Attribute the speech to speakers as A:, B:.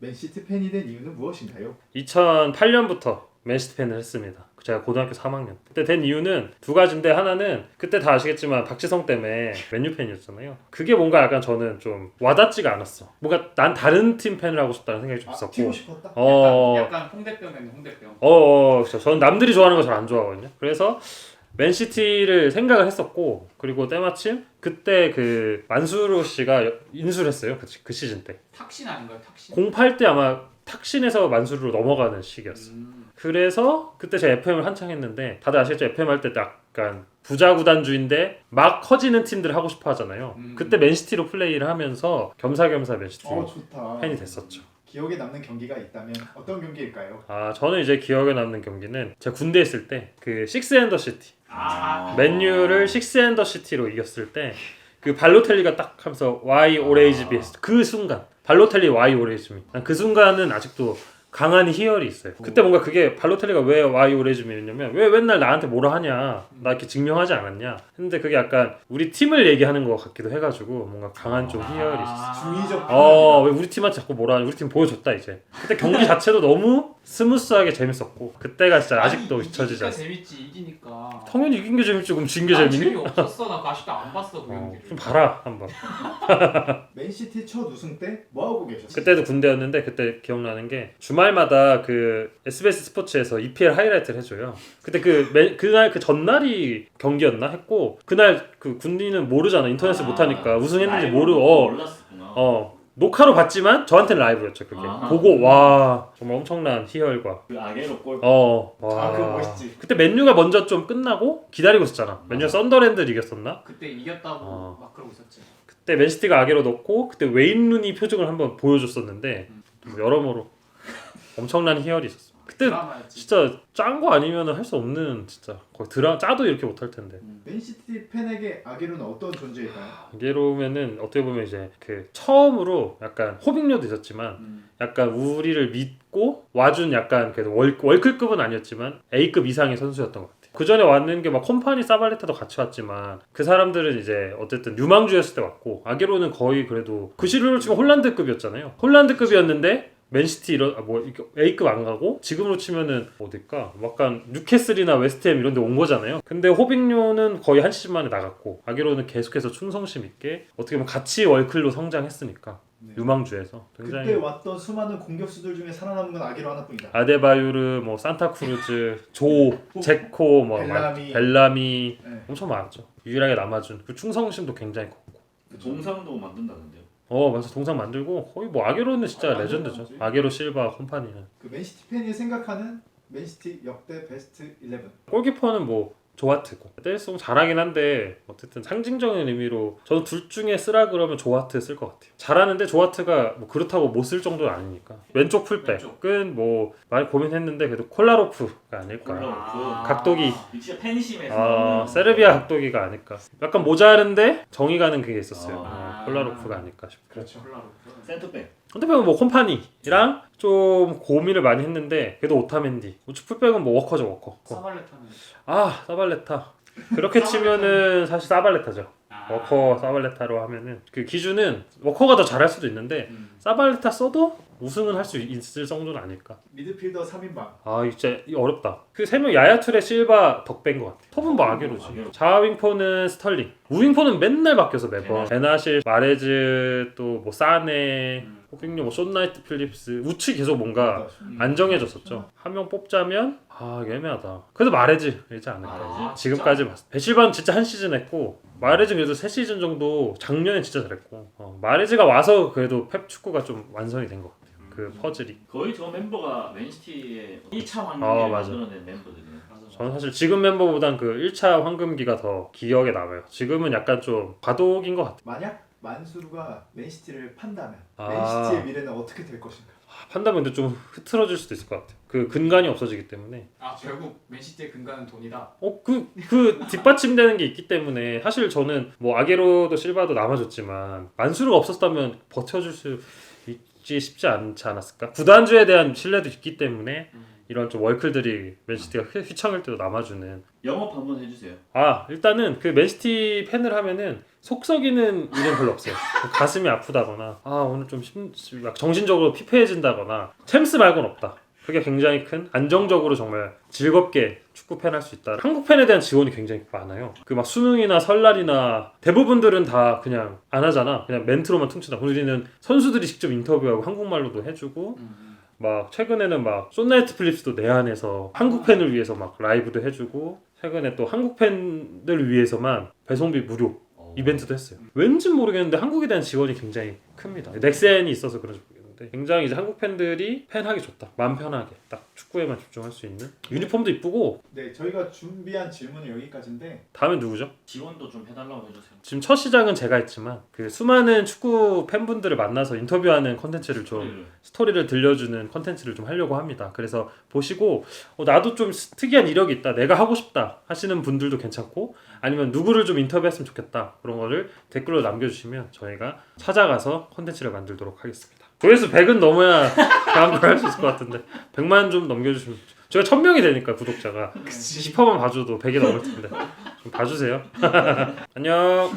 A: 맨시티 팬이 된 이유는 무엇인가요?
B: 2008년부터 맨시티 팬을 했습니다. 제가 고등학교 3학년 그때 된 이유는 두 가지인데, 하나는 그때 다 아시겠지만 박지성 때문에 맨유 팬이었잖아요. 그게 뭔가 약간 저는 좀 와닿지가 않았어. 뭔가 난 다른 팀 팬을 하고 싶다는 생각이 좀 있었고.
A: 튀고 싶었다?
C: 약간 홍대병이네 홍대병.
B: 그렇죠. 저는 남들이 좋아하는 거 잘 안 좋아하거든요. 그래서 맨시티를 생각을 했었고, 그리고 때마침 그때 그 만수르 씨가 인수를 했어요. 그 시즌 때.
C: 탁신 아닌가요? 탁신?
B: 08 때 아마 탁신에서 만수르로 넘어가는 시기였어. 그래서 그때 제가 FM을 한창 했는데, 다들 아시겠죠? FM 할 때 약간 부자 구단주인데 막 커지는 팀들 하고 싶어 하잖아요. 그때 맨시티로 플레이를 하면서 겸사겸사 맨시티
A: 좋다.
B: 팬이 됐었죠.
A: 기억에 남는 경기가 있다면 어떤 경기일까요?
B: 저는 이제 기억에 남는 경기는 제가 군대 있을 때 그 식스앤더 시티, 맨유를 식스앤더 시티로 이겼을 때 그 발로텔리가 딱 하면서 Why Orange Me 그 순간, 발로텔리 Why Orange Me, 난 그 순간은 아직도 강한 희열이 있어요. 그때 뭔가 그게 발로텔리가 왜 Why Orange Me였냐면, 왜 맨날 나한테 뭐라 하냐, 나 이렇게 증명하지 않았냐 했는데, 그게 약간 우리 팀을 얘기하는 것 같기도 해가지고 뭔가 강한 좀 희열이 있었어.
A: 중의적
B: 왜 우리 팀한테 자꾸 뭐라 하냐, 우리 팀 보여줬다 이제. 그때 경기 자체도 너무 스무스하게 재밌었고, 그때가 진짜 아직도 잊혀지지 않아.
C: 재밌지, 이기니까.
B: 당연히 이긴 게 재밌지, 그럼 진 게 재밌니?
C: 재미없었어. 나 아직도 안 봤어 그 경기를.
B: 좀 봐라 한번.
A: 맨시티 첫 우승 때 뭐하고 계셨어요?
B: 그때도 군대였는데, 그때 기억나는 게 주말마다 그 SBS 스포츠에서 EPL 하이라이트를 해줘요. 그때 그날 그 전날이 경기였나 했고, 그날 그 군인은 모르잖아, 인터넷을 못하니까 우승했는지 모르고.
D: 몰랐었구나.
B: 녹화로 봤지만 저한테는 라이브였죠. 그게 보고 와, 정말 엄청난 희열과
D: 그 아게로 골.
B: 와.
A: 그거 멋있지.
B: 그때 맨유가 먼저 좀 끝나고 기다리고 있었잖아. 맨유가 썬더랜드를 이겼었나?
C: 그때 이겼다고 막 그러고 있었지.
B: 그때 맨시티가 아게로 넣고, 그때 웨인 루니 표정을 한번 보여줬었는데, 여러모로 엄청난 희열이 있었어. 그때
C: 드라마였지.
B: 진짜 짠 거 아니면 할 수 없는, 진짜 거의 짜도 이렇게 못할 텐데.
A: 맨시티 팬에게 아게로는 어떤 존재일까요?
B: 아게로면은 어떻게 보면 이제 그 처음으로 약간 호빙료도 있었지만 약간 우리를 믿고 와준, 약간 그래도 월클급은 아니었지만 A급 이상의 선수였던 것 같아. 그 전에 왔는 게 막 컴파니, 사발레타도 같이 왔지만, 그 사람들은 이제 어쨌든 유망주였을 때 왔고, 아게로는 거의 그래도 그 시류로 치면 홀란드급이었잖아요. 홀란드급이었는데 맨시티 A급 안 가고, 지금으로 치면은 어딜까? 약간 뉴캐슬이나 웨스트햄 이런 데 온 거잖아요. 근데 호빙료는 거의 한 시즌 만에 나갔고, 아게로는 계속해서 충성심 있게 어떻게 보면 같이 월클로 성장했으니까.
A: 네.
B: 유망주에서 굉장히.
A: 그때 왔던 수많은 공격수들 중에 살아남은 건 아게로 하나뿐이다.
B: 아데바요르, 산타크루즈, 제코, 벨라미
A: 네.
B: 엄청 많았죠. 유일하게 남아준 그 충성심도 굉장히 컸고.
D: 그 동상도 만든다는데요.
B: 맞아, 동상 만들고 거의 아게로는 진짜 레전드죠. 아게로, 실바, 콤파니는.
A: 그 맨시티 팬이 생각하는 맨시티 역대 베스트 11.
B: 골키퍼는 조하트고, 떼일송 잘하긴 한데 어쨌든 상징적인 의미로 저는 둘 중에 쓰라 그러면 조하트 쓸 것 같아요. 잘하는데 조하트가 그렇다고 못 쓸 정도는 아니니까. 왼쪽 풀백은 많이 고민했는데 그래도 콜라로프가 아닐까. 각도기.
D: 진짜 팬심에서.
B: 세르비아 각도기가 아닐까. 약간 모자른데 정이 가는 그게 있었어요. 콜라로프가 아닐까 싶고.
A: 그렇죠.
D: 센터백.
B: 헌터백은 콤파니랑 좀 고민을 많이 했는데, 그래도 오타멘디. 우측 풀백은 워커죠, 워커.
C: 사발레타는.
B: 사발레타. 그렇게 치면은 사실 사발레타죠. 워커, 사발레타로 하면은 그 기준은 워커가 더 잘할 수도 있는데, 사발레타 써도 우승은 할 수 있을 정도는 아닐까.
A: 미드필더 3인방.
B: 진짜 어렵다. 그 세 명, 야야투레, 실바, 덕배인 것 같아. 톱은 아게로지. 좌윙포는 스털링. 우윙포는 맨날 바뀌어서 매번. 베나실, 마레즈, 또 사네, 호빙료, 숏나이트, 필립스. 우측 계속 뭔가 안 정해졌었죠. 한 명 뽑자면 이게 애매하다. 그래도 마레즈이지 않을까. 지금까지 봤을 때. 베실바는 진짜 한 시즌 했고, 마레즈 그래도 3시즌 정도 작년에 진짜 잘했고, 마레즈가 와서 그래도 펩 축구가 좀 완성이 된 것 같아요. 그 퍼즐이.
D: 거의 저 멤버가 맨시티의 1차
B: 맞아.
D: 환경을 만들어낸 멤버들이에요.
B: 저는 사실 지금 멤버보단 그 1차 황금기가 더 기억에 남아요. 지금은 약간 좀 과도기인 것 같아요.
A: 만약 만수르가 맨시티를 판다면 맨시티의 미래는 어떻게 될 것인가?
B: 판다면 근데 좀 흐트러질 수도 있을 것 같아요. 그 근간이 없어지기 때문에.
C: 결국 맨시티의 근간은 돈이다.
B: 그 뒷받침되는 게 있기 때문에. 사실 저는 아게로도 실바도 남아줬지만 만수르가 없었다면 버텨줄 수 주지 쉽지 않지 않았을까? 구단주에 대한 신뢰도 있기 때문에 이런 좀 월클들이 맨시티가 휘청일 때도 남아주는.
D: 영업 한번 해주세요.
B: 일단은 그 맨시티 팬을 하면은 속 썩이는 일은 별로 없어요. 가슴이 아프다거나 오늘 좀 정신적으로 피폐해진다거나 챔스 말고는 없다. 그게 굉장히 큰 안정적으로 정말 즐겁게 축구 팬 할 수 있다. 한국 팬에 대한 지원이 굉장히 많아요. 그 막 수능이나 설날이나 대부분들은 다 그냥 안 하잖아. 그냥 멘트로만 퉁친다. 우리는 선수들이 직접 인터뷰하고 한국말로도 해주고 막 최근에는 막 쏜나이트 필립스도 내한에서 한국 팬을 위해서 막 라이브도 해주고 최근에 또 한국 팬들 위해서만 배송비 무료 이벤트도 했어요. 왠지 모르겠는데 한국에 대한 지원이 굉장히 큽니다. 넥센이 있어서 그런지 모르겠는데 굉장히 이제 한국 팬들이 팬하기 좋다. 마음 편하게 딱 축구에만 집중할 수 있는. 유니폼도 이쁘고.
A: 네, 저희가 준비한 질문은 여기까지인데
B: 다음엔 누구죠?
D: 지원도 좀 해달라고 해주세요.
B: 지금 첫 시작은 제가 했지만 그 수많은 축구 팬분들을 만나서 인터뷰하는 컨텐츠를 좀 스토리를 들려주는 컨텐츠를 좀 하려고 합니다. 그래서 보시고 나도 좀 특이한 이력이 있다, 내가 하고 싶다 하시는 분들도 괜찮고 아니면 누구를 좀 인터뷰했으면 좋겠다 그런 거를 댓글로 남겨주시면 저희가 찾아가서 컨텐츠를 만들도록 하겠습니다. 조회수 100은 넘어야 다음 걸 할 수 있을 것 같은데 100만 좀 넘겨주시면 저희가 1000명이 되니까 구독자가 10%만 봐줘도 100이 넘을 텐데 좀 봐주세요. 안녕.